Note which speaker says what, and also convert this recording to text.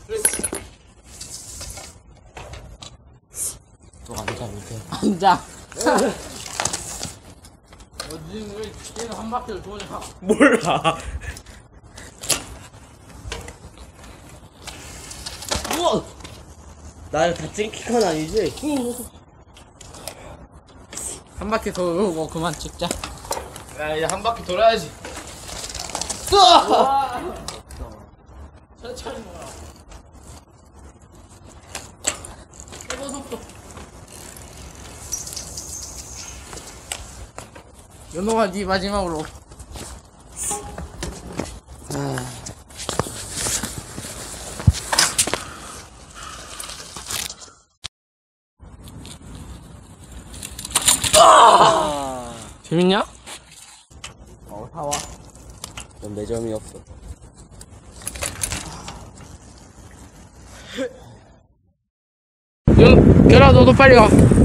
Speaker 1: 또 앉아 밑에.
Speaker 2: 앉아. 지금 왜 얘는 한 바퀴를 도냐?
Speaker 1: 몰라. 우와! 나 다친 키컨 아니지?
Speaker 2: 한 바퀴 돌고 그만 찍자.
Speaker 1: 야, 이제 한 바퀴 돌아야지.
Speaker 2: 천천히 놀아. 연호가 네 마지막으로. 재밌냐?
Speaker 1: 사와. 넌 매점이 없어.
Speaker 2: 결아 너도 빨리 가.